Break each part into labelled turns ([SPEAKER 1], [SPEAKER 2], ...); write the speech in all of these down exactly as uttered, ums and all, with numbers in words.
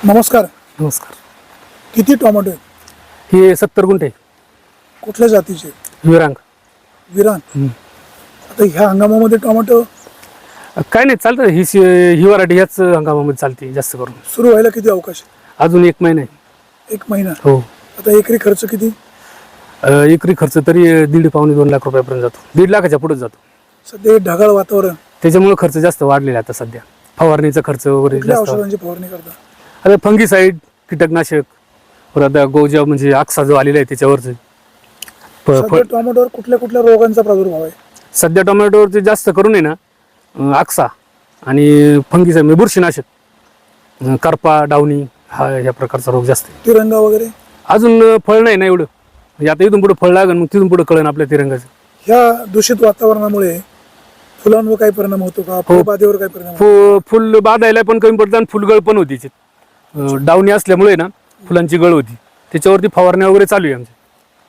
[SPEAKER 1] नमस्कार.
[SPEAKER 2] नमस्कार.
[SPEAKER 1] किती टोमॅटो आहेत?
[SPEAKER 2] हे सत्तर गुंठे.
[SPEAKER 1] कुठल्या जातीचे?
[SPEAKER 2] विरांग.
[SPEAKER 1] विरान. आता ह्या हंगामामध्ये टोमॅटो
[SPEAKER 2] काय नाही, चालतं. ही शी- ही वराठी ह्याच हंगामामध्ये चालते जास्त करून.
[SPEAKER 1] सुरू व्हायला किती अवकाश आहे?
[SPEAKER 2] अजून एक महिना आहे.
[SPEAKER 1] एक महिना.
[SPEAKER 2] हो.
[SPEAKER 1] आता एकरी खर्च किती?
[SPEAKER 2] अ, एकरी खर्च तरी दीड पावणे दोन लाख रुपयापर्यंत जातो. दीड लाखाच्या पुढे जातो.
[SPEAKER 1] सध्या हे ढगाळ वातावरण,
[SPEAKER 2] त्याच्यामुळे खर्च जास्त वाढलेला आहे आता सध्या. फवारणीचा खर्च वगैरे
[SPEAKER 1] कुठल्या
[SPEAKER 2] जास्त.
[SPEAKER 1] औषधांची फवारणी करता?
[SPEAKER 2] आता फंगीसाईड, कीटकनाशक, परत गोजा म्हणजे आक्सा जो आलेला आहे त्याच्यावरच.
[SPEAKER 1] सध्या टोमॅटोवर कुठल्या कुठल्या रोगांचा प्रादुर्भाव आहे?
[SPEAKER 2] सध्या टोमॅटोवरती जास्त करून आहे ना अ, आक्सा आणि फंगीसाईड म्हणजे बुरशीनाशक, अ, करपा, डावणी हा ह्या प्रकारचा रोग जास्त आहे.
[SPEAKER 1] तिरंगा वगैरे?
[SPEAKER 2] अजून फळ नाही ना एवढं. म्हणजे आता इथून पुढे फळ लागेल, मग तिथून पुढे कळेल आपल्या तिरंगाचं.
[SPEAKER 1] ह्या दूषित वातावरणामुळे फुलांवर काही परिणाम होतो का? फळबाधेवर काही परिणाम होतो?
[SPEAKER 2] फु फुल बाधायला पण कमी पडतं आणि फुलगळ पण होती त्याच्यात. अ, डावणी असल्यामुळे ना फुलांची गळ होती. त्याच्यावरती फवारण्या वगैरे चालू आहे आमच्या.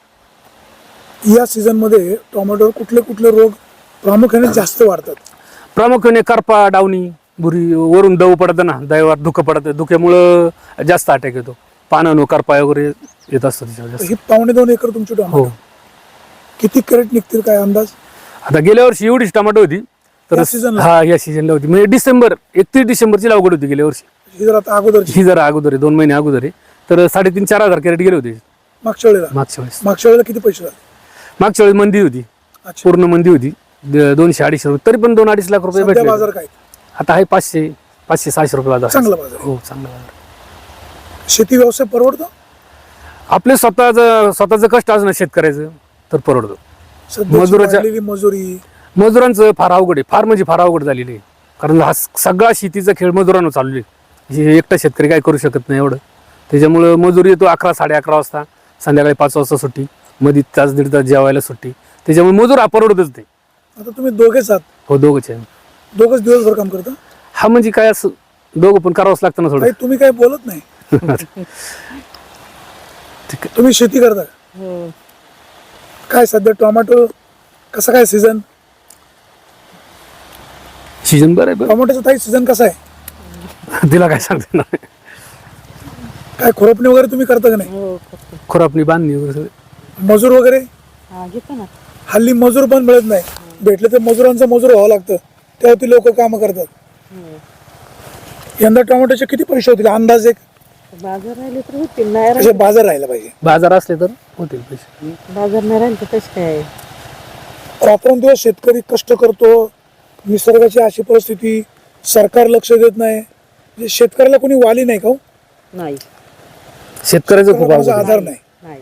[SPEAKER 1] या सीझन मध्ये टोमॅटोवर कुठले कुठले रोग प्रामुख्याने जास्त वाढतात?
[SPEAKER 2] प्रामुख्याने करपा, डावणी, बुरी, वरून दव पडतं ना, दव्यावर धुकं पडतं. धुक्यामुळं जास्त अटॅक येतो. पानांनो करपा वगैरे येत असतं त्याच्यावर जास्त.
[SPEAKER 1] ही पावणे दोन एकर तुमची
[SPEAKER 2] हो.
[SPEAKER 1] टोमॅटो, किती कॅरेट निघतील काय अंदाज?
[SPEAKER 2] आता गेल्या वर्षी एवढीच टमाटो होती. तर
[SPEAKER 1] या season ला?
[SPEAKER 2] हा, या सीझनला होती. म्हणजे डिसेंबर एकतीस डिसेंबरची लागवड होती गेल्या वर्षी.
[SPEAKER 1] ही जर आता अगोदरची,
[SPEAKER 2] ही जरा अगोदर आहे, दोन महिने अगोदर आहे. तर साडेतीन चार हजार कॅरेट गेले होते
[SPEAKER 1] मागच्या वेळेला
[SPEAKER 2] मागच्या वेळेस.
[SPEAKER 1] मागच्या वेळेला किती पैसे झाले?
[SPEAKER 2] मागच्या वेळेस मंदी होती,
[SPEAKER 1] अच्छा.
[SPEAKER 2] पूर्ण मंदी होती. द- दोनशे अडीचशे रुपये, तरी पण दोन अडीच लाख रुपये
[SPEAKER 1] सध्या
[SPEAKER 2] भेटले.
[SPEAKER 1] बाजार काय?
[SPEAKER 2] आता आहे पाचशे पाचशे सहाशे रुपये बाजार.
[SPEAKER 1] चांगला बाजार आहे.
[SPEAKER 2] हो, चांगला बाजार.
[SPEAKER 1] शेती व्यवसाय परवडतो?
[SPEAKER 2] आपले स्वतःचं स्वतःचं कष्ट असणं शेतकऱ्याचं तर परवडतो.
[SPEAKER 1] सध्याची
[SPEAKER 2] मजुराच्या-
[SPEAKER 1] वाढलेली मजुरी,
[SPEAKER 2] मजुरांचं फार अवघड आहे, फार म्हणजे फार अवघड झालेली आहे. कारण हा स- सगळा शेतीचा खेळ मजुरांवर चालू आहे. हे एकटा शेतकरी काय करू शकत नाही एवढं. त्याच्यामुळं मजूर येतो अकरा साडे अकरा वाजता, संध्याकाळी पाच वाजता सुट्टी, मध्ये तास दीड तास जेवायला सुट्टी. त्याच्यामुळे मजूर हा परवडतच नाही.
[SPEAKER 1] आता तुम्ही दोघेच आहात,
[SPEAKER 2] हो, दोघंच आहे.
[SPEAKER 1] दोघच दिवसभर काम करता?
[SPEAKER 2] हा म्हणजे काय असं दोघं पण करावंच लागतं ना थोडं.
[SPEAKER 1] काही तुम्ही काही बोलत नाही.
[SPEAKER 2] ठीक आहे.
[SPEAKER 1] तुम्ही शेती करता का? काय सध्या टोमॅटो कसा काय सीझन?
[SPEAKER 2] सीजन बरं आहे बरं.
[SPEAKER 1] टोमॅटोचा ताई सीझन कसा आहे?
[SPEAKER 2] तिला काय सांगते ना,
[SPEAKER 1] काय खुरपणी वगैरे तुम्ही करता का नाही?
[SPEAKER 3] हो करतो.
[SPEAKER 2] खुरापणी बांधणी वगैरे सगळं.
[SPEAKER 1] मजूर वगैरे?
[SPEAKER 3] हा घेतो ना.
[SPEAKER 1] हल्ली मजूर पण मिळत नाही. भेटले तर मजुरांचं मजूर व्हावं लागतं, तेव्हा ती लोक काम करतात. यंदा टोमॅटोचे किती पैसे होतील अंदाज? एक
[SPEAKER 3] बाजार राहिले तर होतील, नाही
[SPEAKER 1] असे
[SPEAKER 3] राहिले
[SPEAKER 1] बाजार राहायला पाहिजे.
[SPEAKER 2] बाजार असले तर होतील पैसे.
[SPEAKER 3] बाजार नाही राहिले तर कसं काय?
[SPEAKER 1] रात्रंदिवस शेतकरी कष्ट करतो, निसर्गाची अशी परिस्थिती, सरकार लक्ष देत नाही. म्हणजे शेतकऱ्याला कोणी वाली नाही का हो?
[SPEAKER 3] नाही
[SPEAKER 2] शेतकऱ्याचं खूप
[SPEAKER 1] शेतकऱ्याला
[SPEAKER 2] अवघड
[SPEAKER 1] माझा
[SPEAKER 2] आहे.
[SPEAKER 1] आधार नाही.
[SPEAKER 3] नाही.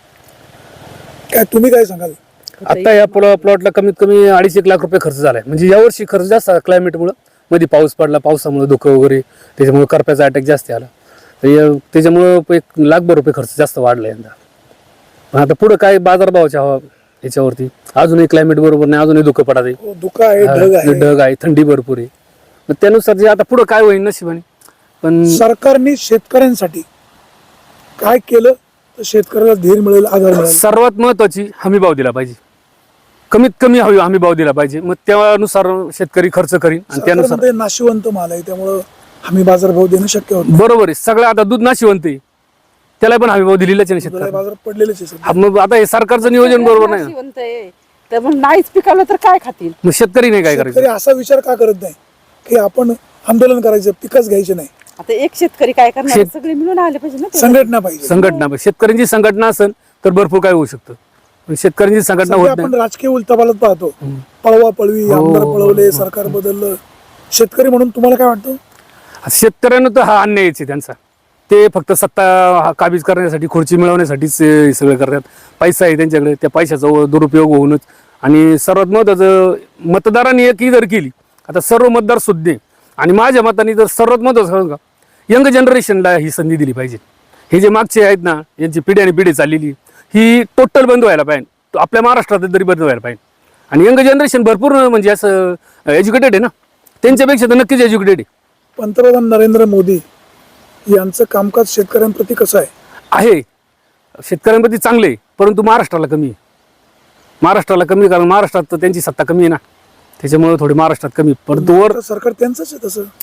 [SPEAKER 1] काय तुम्ही काय सांगाल?
[SPEAKER 2] आता या प्लॉ प्लॉटला कमीत कमी अडीच एक लाख रुपये खर्च झालाय. म्हणजे यावर्षी खर्च जास्त क्लायमेटमुळे, मध्ये पाऊस पडला, पावसामुळे धुकं वगैरे, त्याच्यामुळे करप्याचा अटॅक जास्त आला. तर या- त्याच्यामुळं एक लाखभर रुपये खर्च जास्त वाढला यंदा. पण आता पुढे काय बाजारभावाच्या हवा याच्यावरती, अजूनही क्लायमेट बरोबर नाही, अजूनही धुकं पडत आहे.
[SPEAKER 1] हो, धुकं आहे, ढग
[SPEAKER 2] हा,
[SPEAKER 1] आहे.
[SPEAKER 2] ढग आहे, थंडी भरपूर आहे. मग त्यानुसार जे आता पुढे काय होईल नशिबाने. पण
[SPEAKER 1] सरकारने शेतकऱ्यांसाठी काय केलं तर शेतकऱ्याला धीर मिळेल, आधार मिळेल?
[SPEAKER 2] सर्वात महत्वाची हमी भाव दिला पाहिजे. कमीत कमी हवी हमी भाव दिला पाहिजे. मग त्यानुसार शेतकरी खर्च करीन आणि त्यानुसार
[SPEAKER 1] सरकारमध्ये नाशिवंत माल आहे, त्यामुळं हमी बाजार भाव देणं शक्य होत नाही.
[SPEAKER 2] बरोबर आहे. सगळं आता दूध नाशिवंत आहे, त्याला पण हमी भाव दिलेलाच आहे ना
[SPEAKER 1] दुधाला
[SPEAKER 2] शेतकरी.
[SPEAKER 1] बाजार पडलेलेच आहे सध्या.
[SPEAKER 2] मग आता हे सरकारचं नियोजन बरोबर नाही ना.
[SPEAKER 3] नाशिवंत आहे, तर मग नाहीच पिकवलं तर काय खातील?
[SPEAKER 2] मग शेतकरी नाही काय
[SPEAKER 1] शेतकरी
[SPEAKER 2] करायचं.
[SPEAKER 1] असा विचार का करत नाही की आपण आंदोलन करायचं, पिकच घ्यायचे नाही,
[SPEAKER 3] आता एक शेतकरी काय करणार?
[SPEAKER 2] शेत-
[SPEAKER 3] सगळे मिळून आले पाहिजे ना ते.
[SPEAKER 1] संघटना पाहिजे.
[SPEAKER 2] संघटना शेतकऱ्यांची संघटना असेल तर भरपूर काय होऊ शकतं. पण शेतकऱ्यांची संघटना
[SPEAKER 1] सध्या
[SPEAKER 2] होत
[SPEAKER 1] आपण
[SPEAKER 2] नाही.
[SPEAKER 1] राजकीय उलथापालथ पाहतो, पळवा पळवी,
[SPEAKER 2] हो,
[SPEAKER 1] आमदार
[SPEAKER 2] हो,
[SPEAKER 1] पळवले,
[SPEAKER 2] हो,
[SPEAKER 1] सरकार बदललं. शेतकरी म्हणून तुम्हाला काय वाटतं?
[SPEAKER 2] शेतकऱ्यांना तर हा अन्यायच आहे त्यांचा. ते फक्त सत्ता हा काबीज करण्यासाठी, खुर्ची मिळवण्यासाठीच हे सगळं करतात. पैसा आहे त्यांच्याकडे, त्या पैशाचा दुरुपयोग होऊनच. आणि सर्वात महत्वाचं, मतदारांनी एकही जर केली, आता सर्व मतदार सुज्ञ आहे. आणि माझ्या मताने तर सर्वात महत्वाचं सांगू का, यंग जनरेशनला ही संधी दिली पाहिजे. हे जे मागचे आहेत ना, यांची पिढी आणि पिढी चाललेली, ही टोटल बंद व्हायला पाहिजे. आपल्या महाराष्ट्रात तरी बंद व्हायला पाहिजे. आणि यंग जनरेशन भरपूर म्हणजे असं एज्युकेटेड आहे ना, त्यांच्यापेक्षा तर नक्कीच एज्युकेटेड आहे.
[SPEAKER 1] पंतप्रधान नरेंद्र मोदी यांचं कामकाज शेतकऱ्यांप्रती कसं आहे?
[SPEAKER 2] आहे शेतकऱ्यांप्रती चांगले, परंतु महाराष्ट्राला कमी आहे. महाराष्ट्राला कमी, कारण महाराष्ट्रात तर त्यांची सत्ता कमी आहे ना, त्याच्यामुळे थोडी महाराष्ट्रात कमी. परंतु वर
[SPEAKER 1] तर सरकार त्यांचंच आहे तसं.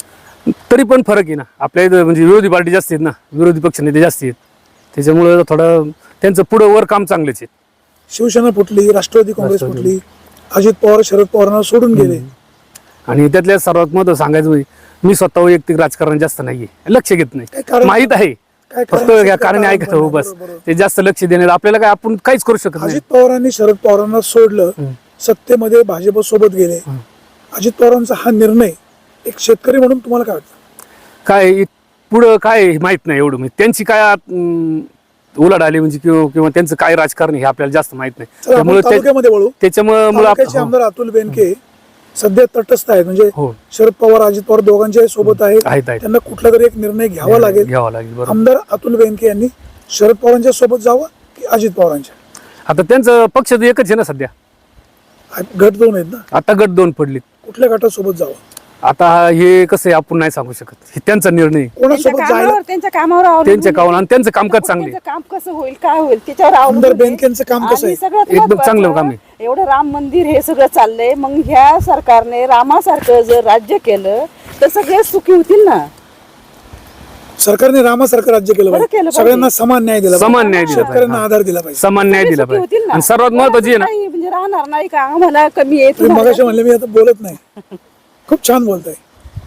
[SPEAKER 2] तरी पण फरक आहे ना आपल्या इथं, म्हणजे विरोधी पार्टी जास्त आहेत ना, विरोधी पक्ष नेते जास्त आहेत, त्याच्यामुळं थोडं त्यांचं पुढं वर काम चांगलेच आहे.
[SPEAKER 1] शिवसेना फुटली, राष्ट्रवादी काँग्रेस
[SPEAKER 2] राष्ट्रवादी.
[SPEAKER 1] फुटली, अजित पवार शरद पवारांना सोडून गेले.
[SPEAKER 2] आणि त्यातल्या सर्वात महत्त्व सांगायचं म्हणजे मी स्वतः वैयक्तिक राजकारण जास्त नाहीये, लक्ष घेत
[SPEAKER 1] काय
[SPEAKER 2] नाही,
[SPEAKER 1] कारण?
[SPEAKER 2] माहित आहे
[SPEAKER 1] काय
[SPEAKER 2] फक्त
[SPEAKER 1] कारण?
[SPEAKER 2] या कारण
[SPEAKER 1] कारण
[SPEAKER 2] ऐकत हो बस,
[SPEAKER 1] बरोबर.
[SPEAKER 2] ते जास्त लक्ष देणे आपल्याला काय आपण काहीच करू शकत नाही.
[SPEAKER 1] अजित पवारांनी शरद पवारांना सोडलं, सत्तेमध्ये भाजप सोबत गेले. अजित पवारांचा हा निर्णय एक शेतकरी म्हणून तुम्हाला काय वाटतं?
[SPEAKER 2] काय इ- पुढं काय हे माहित नाही एवढं, म्हणजे त्यांची काय अं, उलाढ आली म्हणजे किंवा किंवा त्यांचं काय राजकारण आहे हे आपल्याला जास्त माहित नाही.
[SPEAKER 1] चला आपण
[SPEAKER 2] त्यामुळे ते-
[SPEAKER 1] तालुक्यामध्ये वळू.
[SPEAKER 2] त्याच्यामुळे मुळं आप-
[SPEAKER 1] तालुक्याचे
[SPEAKER 2] हो,
[SPEAKER 1] आमदार अतुल बेनके सध्या तटस्थ आहेत, म्हणजे
[SPEAKER 2] हो
[SPEAKER 1] शरद पवार अजित पवार दोघांच्या सोबत आहेत.
[SPEAKER 2] आहेत आहेत
[SPEAKER 1] त्यांना कुठला तरी एक निर्णय घ्यावा लागेल.
[SPEAKER 2] घ्यावा लागेल बरोबर.
[SPEAKER 1] आमदार अतुल बेनके यांनी शरद पवारांच्या सोबत जावं की अजित पवारांच्या?
[SPEAKER 2] आता त्यांचं पक्ष तर एकच आहे ना सध्या,
[SPEAKER 1] गट दोन आहेत ना,
[SPEAKER 2] आता गट दोन पडले.
[SPEAKER 1] कुठल्या गटासोबत जावं?
[SPEAKER 2] आता हे कसं आहे आपण नाही सांगू शकत, हे त्यांचा निर्णय आहे.
[SPEAKER 3] त्यांच्या
[SPEAKER 1] कोणासोबत जायला?
[SPEAKER 3] कामावर त्यांच्या कामावर अवलंबून
[SPEAKER 2] त्यांच्या कामावर आणि त्यांचं कामकाज
[SPEAKER 3] आहे.
[SPEAKER 2] चांगले
[SPEAKER 3] त्यांचं काम कसं होईल काय होईल त्याच्यावर
[SPEAKER 1] आमदार
[SPEAKER 3] अवलंबून आहे.
[SPEAKER 1] बेनकेंचं काम कसं
[SPEAKER 3] आणि
[SPEAKER 1] आहे?
[SPEAKER 3] सगळ्यात
[SPEAKER 2] एकदम
[SPEAKER 3] महत्त्वाचं,
[SPEAKER 2] चांगलं काम आहे.
[SPEAKER 3] एवढं राम मंदिर हे सगळं चाललंय, मग ह्या सरकारने रामासारखं जर राज्य केलं तर सगळे सुखी होतील ना.
[SPEAKER 1] सरकारने रामासारखं राज्य केलं
[SPEAKER 3] बरं
[SPEAKER 1] पाहिजे,
[SPEAKER 3] केलं पाहिजे.
[SPEAKER 1] सगळ्यांना समान न्याय दिला
[SPEAKER 2] समान
[SPEAKER 1] पाहिजे.
[SPEAKER 2] न्याय दिला
[SPEAKER 1] शेतकऱ्यांना
[SPEAKER 2] पाहिजे.
[SPEAKER 1] आधार दिला पाहिजे.
[SPEAKER 2] समान न्याय
[SPEAKER 3] सगळे
[SPEAKER 2] दिला
[SPEAKER 3] सुखी होतील
[SPEAKER 2] पाहिजे.
[SPEAKER 3] ना.
[SPEAKER 2] आणि सर्वात महत्वाची आहे ना,
[SPEAKER 3] काही म्हणजे राहणार नाही का आम्हाला कमी आहे
[SPEAKER 1] तुम्ही
[SPEAKER 3] तुम्हाला-
[SPEAKER 1] मगाशी म्हणले मी आता बोलत नाही, खूप छान बोलताय.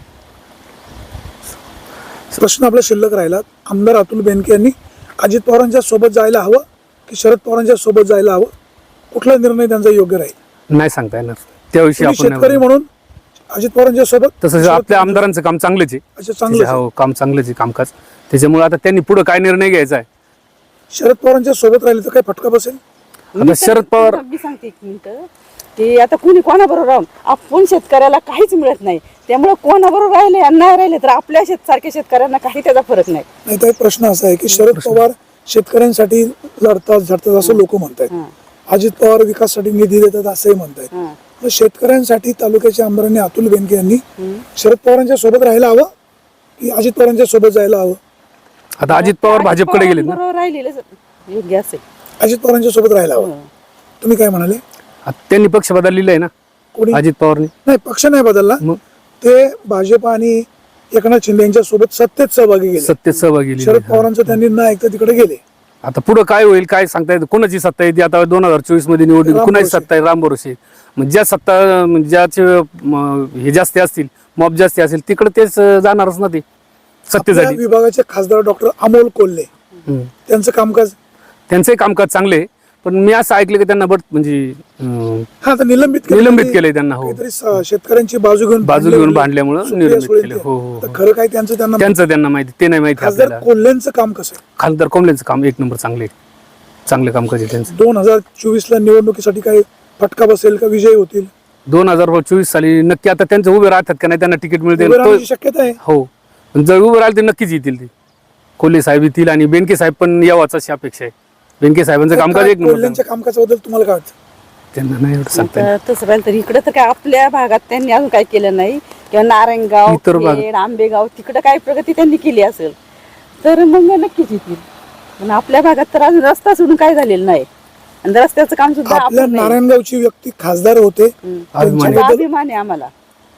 [SPEAKER 1] प्रश्न आपला शिल्लक राहिला, आमदार अतुल बेनके यांनी अजित पवारांच्या सोबत जायला हवं की शरद पवारांच्या सोबत जायला हवं? कुठला निर्णय त्यांचा योग्य राहील?
[SPEAKER 2] नाही सांगता येणार त्याविषयी
[SPEAKER 1] तुम्ही
[SPEAKER 2] आपण
[SPEAKER 1] शेतकरी
[SPEAKER 2] नाही
[SPEAKER 1] म्हणून अजित पवारांच्या सोबत,
[SPEAKER 2] बोलू. तसं
[SPEAKER 1] शरद
[SPEAKER 2] आपल्या
[SPEAKER 1] पवारांच्या-
[SPEAKER 2] आमदारांचं काम चांगलंच आहे.
[SPEAKER 1] अच्छा, चांगलं आहे.
[SPEAKER 2] हो काम चांगलंच आहे कामकाज, त्याच्यामुळे आता त्यांनी पुढे काय निर्णय घ्यायचा आहे.
[SPEAKER 1] शरद पवारांच्या सोबत राहिले तर काय फटका बसेल?
[SPEAKER 3] मी
[SPEAKER 2] आता
[SPEAKER 3] तर-
[SPEAKER 2] शरद पवार-
[SPEAKER 3] मी सांगते एक मिनिट की आता कुणी कोणाबरोबर राहून आपण शेतकऱ्याला काहीच मिळत नाही, त्यामुळे कोणाबरोबर राहिले आणि नाही राहिले तर आपल्या शेतसारख्या शेतकऱ्यांना काही त्याचा फरक नाही.
[SPEAKER 1] नाही तर एक प्रश्न असा आहे की शरद पवार शेतकऱ्यांसाठी लढतात झडतात असं लोक म्हणतात,
[SPEAKER 3] हं.
[SPEAKER 1] अजित पवार विकासासाठी निधी देतात असंही म्हणतात.
[SPEAKER 3] हं.
[SPEAKER 1] मग शेतकऱ्यांसाठी तालुक्याच्या आमदारांनी अतुल बेनके यांनी शरद पवारांच्या सोबत राहायला हवं की अजित पवारांच्या सोबत जायला हवं?
[SPEAKER 2] आता अजित पवार भाजपकडे गेलेत ना,
[SPEAKER 3] बरोबर राहिलेलं योग्य असेल.
[SPEAKER 1] अजित पवारांच्या सोबत राहायला हवं.
[SPEAKER 3] हं.
[SPEAKER 1] तुम्ही काय म्हणाले?
[SPEAKER 2] आता त्यांनी पक्ष बदललेला आहे ना
[SPEAKER 1] कोणी?
[SPEAKER 2] अजित पवारनी.
[SPEAKER 1] नाही, पक्ष नाही बदलला,
[SPEAKER 2] मग
[SPEAKER 1] ते भाजप आणि एकनाथ शिंदे यांच्या सोबत सत्तेत सहभागी गेले.
[SPEAKER 2] सत्तेत सहभागी झालेले.
[SPEAKER 1] शरद पवारांचं त्यांनी न ऐकता तिकडे गेले.
[SPEAKER 2] आता पुढे काय होईल काय सांगता येतं, कोणाची सत्ता येते आता दोन हजार चोवीस मध्ये निवडणूक,
[SPEAKER 1] राम
[SPEAKER 2] कुणाची
[SPEAKER 1] भरोसे.
[SPEAKER 2] सत्ता आहे राम भरोसे. मग ज्या सत्ता म्हणजे ज्याचे म, हे जास्ती असतील, मॉब जास्ती असेल तिकडे तेच अं, जाणारच ना ते
[SPEAKER 1] आपल्या
[SPEAKER 2] सत्तेसाठी.
[SPEAKER 1] विभागाचे खासदार डॉक्टर अमोल कोल्हे
[SPEAKER 2] हम्म.
[SPEAKER 1] त्यांचं कामकाज,
[SPEAKER 2] त्यांचंही कामकाज चांगले आहे, पण मी असं ऐकलं की त्यांना बट म्हणजे अं,
[SPEAKER 1] हा आता निलंबित केलं.
[SPEAKER 2] निलंबित
[SPEAKER 1] त्यांनी
[SPEAKER 2] केलंय त्यांना. हो
[SPEAKER 1] काहीतरी स- शेतकऱ्यांची बाजू घेऊन
[SPEAKER 2] बाजू
[SPEAKER 1] भांडले
[SPEAKER 2] घेऊन
[SPEAKER 1] वगैरे.
[SPEAKER 2] भांडल्यामुळं
[SPEAKER 1] सुप्रिया
[SPEAKER 2] निलंबित
[SPEAKER 1] सुळे
[SPEAKER 2] केलं.
[SPEAKER 1] ते.
[SPEAKER 2] हो, हो,
[SPEAKER 1] तर
[SPEAKER 2] हो.
[SPEAKER 1] खरं काय त्यांचं त्यांना
[SPEAKER 2] त्यांचं त्यांना माहिती, ते नाही माहिती
[SPEAKER 1] खासदार
[SPEAKER 2] आपल्याला.
[SPEAKER 1] कोल्हेंचं काम कसं आहे?
[SPEAKER 2] खासदार कोंबलेंचं काम एक नंबर चांगले आहे. चांगलं कामकाज आहे त्यांचं.
[SPEAKER 1] दोन हजार चोवीस ला निवडणुकीसाठी काही फटका बसेल का विजयी होतील?
[SPEAKER 2] दोन हजार चोवीस साली नक्की आता त्यांचं उभे राहतात का नाही, त्यांना तिकीट मिळते
[SPEAKER 1] उभे राहण्याची शक्यता आहे.
[SPEAKER 2] हो, पण जर उभे राहिले तर नक्कीच येतील ते. कोल्हे साहेब येतील आणि बेनके साहेब पण यावाच अशी अपेक्षा आहे. बेनके साहेबांचं
[SPEAKER 1] तर
[SPEAKER 2] कामकाज
[SPEAKER 1] काय
[SPEAKER 2] एक नंबर
[SPEAKER 1] कोल्हेंच्या कामकाजाबद्दल तुम्हाला काय वाटतं?
[SPEAKER 2] त्यांना नाही एवढं सांगता येणार.
[SPEAKER 3] आता तसं पाहिलं तर इकडं तर काय आपल्या भागात त्यांनी अजून काही केलं नाही, किंवा नारायणगाव,
[SPEAKER 2] इतर भाग-
[SPEAKER 3] खेड, आंबेगाव तिकडं काय प्रगती त्यांनी केली असेल तर मग नक्कीच येतील. पण आपल्या भागात तर अजून रस्ता सोडून काय झालेलं नाही, आणि रस्त्याचं काम सुद्धा
[SPEAKER 1] आपल्या
[SPEAKER 3] आपण नाही.
[SPEAKER 1] नारायणगावची व्यक्ती खासदार होते,
[SPEAKER 3] हम्म.
[SPEAKER 2] अभिमान आहे.
[SPEAKER 3] त्याचा अभिमान आहे आम्हाला.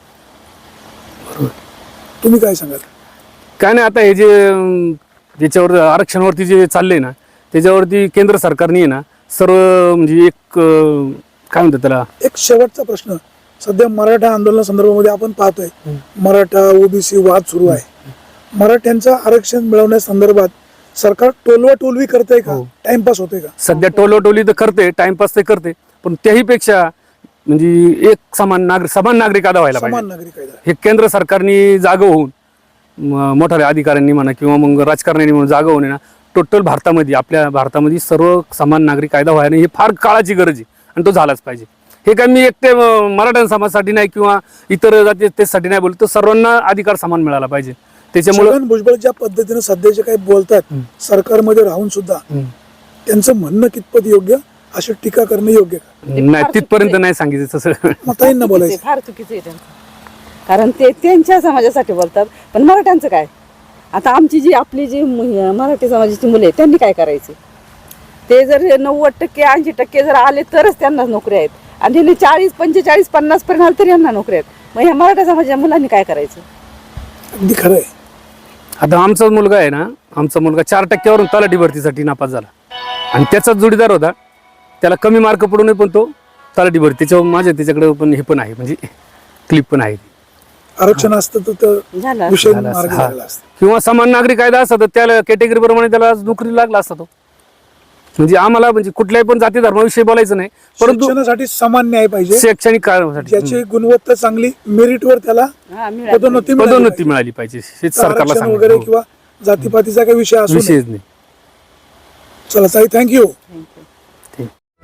[SPEAKER 1] तुम्ही काय सांगाल?
[SPEAKER 2] काय नाही, आता हे जे अं, ज्याच्यावर आरक्षणावरती जे चाललंय ना, त्याच्यावरती केंद्र सरकारने आहे ना सर्व म्हणजे एक अं, काय म्हणतात त्याला,
[SPEAKER 1] एक शेवटचा प्रश्न, सध्या मराठा आंदोलना संदर्भामध्ये आपण पाहतोय मराठा ओबीसी वाद सुरू आहे. मराठ्यांचं आरक्षण मिळवण्यासंदर्भात सरकार टोलवा टोलवी करतंय का?
[SPEAKER 2] हो.
[SPEAKER 1] टाइमपास होतोय का?
[SPEAKER 2] सध्या टोलोटोली तर करते, टाइमपास ते करते, पण त्याही पेक्षा म्हणजे एक समान नागरिक समान नागरिक कायदा व्हायला
[SPEAKER 1] समान
[SPEAKER 2] पाहिजे.
[SPEAKER 1] नागरिक कायदा.
[SPEAKER 2] हे केंद्र सरकारने जागं होऊन म- मोठ्या अधिकाऱ्यांनी म्हणा किंवा मग राजकारण्यांनी म्हणून जागं होऊन आहे ना, टोटल भारतामध्ये आपल्या भारतामध्ये सर्व समान नागरिक कायदा व्हायला ही फार काळाची गरज आहे आणि तो झालाच पाहिजे. हे काय मी एकटे अं, मराठा समाजासाठी नाही किंवा इतर जाती त्यासाठी नाही बोलतो, सर्वांना अधिकार समान मिळाला पाहिजे. त्याच्यामुळे
[SPEAKER 1] छगन भुजबळ ज्या पद्धतीने सध्या जे काही बोलतात सरकारमध्ये राहून सुद्धा, त्यांचं म्हणणं कितपत योग्य, अशी टीका करणं योग्य का?
[SPEAKER 2] नाही तिथपर्यंत नाही सांगितलं तसं.
[SPEAKER 1] मग ताईंना बोलायचं.
[SPEAKER 3] फार चुकीचं आहे त्यांचं, कारण ते त्यांच्या समाजासाठी बोलतात. पण मराठ्यांचं काय? आता आमची जी आपली जी मु- मराठी समाजाची मुले आहेत त्यांनी काय करायचे? ते जर नव्वद टक्के ऐंशी टक्के जर आले तरच त्यांना नोकरी आहेत, आणि त्यांनी चाळीस पंचेचाळीस पन्नास पर्यंत आले तरी यांना नोकरी आहेत. मग ह्या मराठा समाजाच्या मुलांनी काय करायचं?
[SPEAKER 1] अगदी खरं आहे.
[SPEAKER 2] आता आमचा मुलगा आहे ना, आमचा मुलगा चार टक्क्यावरून तलाठी भरतीसाठी नापास झाला आणि त्याचाच जोडीदार होता. त्याला कमी मार्क पडून पण तो तलाठी भरती, त्याच्यावर माझ्या त्याच्याकडे पण हे पण आहे, म्हणजे क्लिप पण आहे.
[SPEAKER 1] आरक्षण असतं तर तर
[SPEAKER 3] झालं असतं.
[SPEAKER 1] विषय
[SPEAKER 2] झालं असतं.
[SPEAKER 1] मार्गी
[SPEAKER 2] हा.
[SPEAKER 1] लागला असता.
[SPEAKER 2] किंवा समान नागरिक कायदा असता तर त्याला कॅटेगरी प्रमाणे त्याला नोकरी लागला असता तो. म्हणजे आम्हाला म्हणजे कुठल्याही पण जाती धर्माविषयी बोलायचं नाही, परंतु
[SPEAKER 1] शिक्षणासाठी समान न्याय पाहिजे.
[SPEAKER 2] शैक्षणिक कारणासाठी
[SPEAKER 1] ज्याची गुणवत्ता चांगली, मेरिटवर त्याला
[SPEAKER 3] हा, मिळालं.
[SPEAKER 1] पदोन्नती मिळाली
[SPEAKER 2] पदोन्नती
[SPEAKER 1] पाहिजे.
[SPEAKER 2] मिळाली पाहिजे, हेच सरकारला
[SPEAKER 1] आरक्षण
[SPEAKER 2] सांगायचं.
[SPEAKER 1] वगैरे
[SPEAKER 2] हो.
[SPEAKER 1] किंवा जातीपातीचा काही विषय असू नये.
[SPEAKER 2] विषयच नाही.
[SPEAKER 1] चला ताई, थँक्यू.
[SPEAKER 3] Thank you.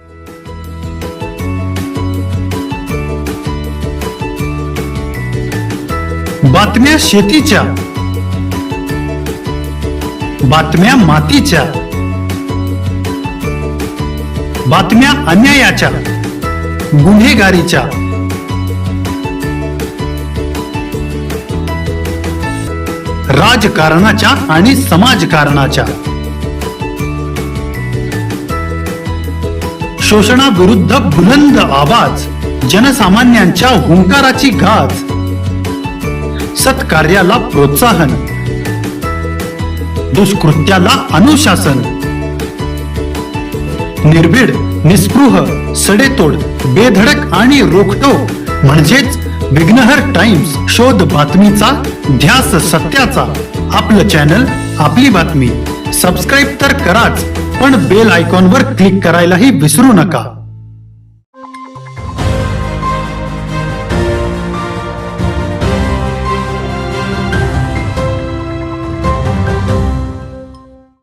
[SPEAKER 4] बातम्या शेतीच्या, बातम्या मातीच्या, बातम्या अन्यायाच्या, गुन्हेगारीच्या, राजकारणाच्या आणि समाजकारणाच्या, शोषणाविरुद्ध बुलंद आवाज, जनसामान्यांच्या हुंकाराची गाज, सत्कार्याला प्रोत्साहन, दुष्कृत्याला अनुशासन, निर्भीड, निस्पृह, सडेतोड, बेधडक आणि रोखटोक म्हणजेच विघ्नहर टाइम्स. शोध बातमीचा, ध्यास सत्याचा. आपलं चॅनल, आपली बातमी. सबस्क्राईब तर कराच, पण बेल आयकॉनवर क्लिक करायलाही विसरू नका.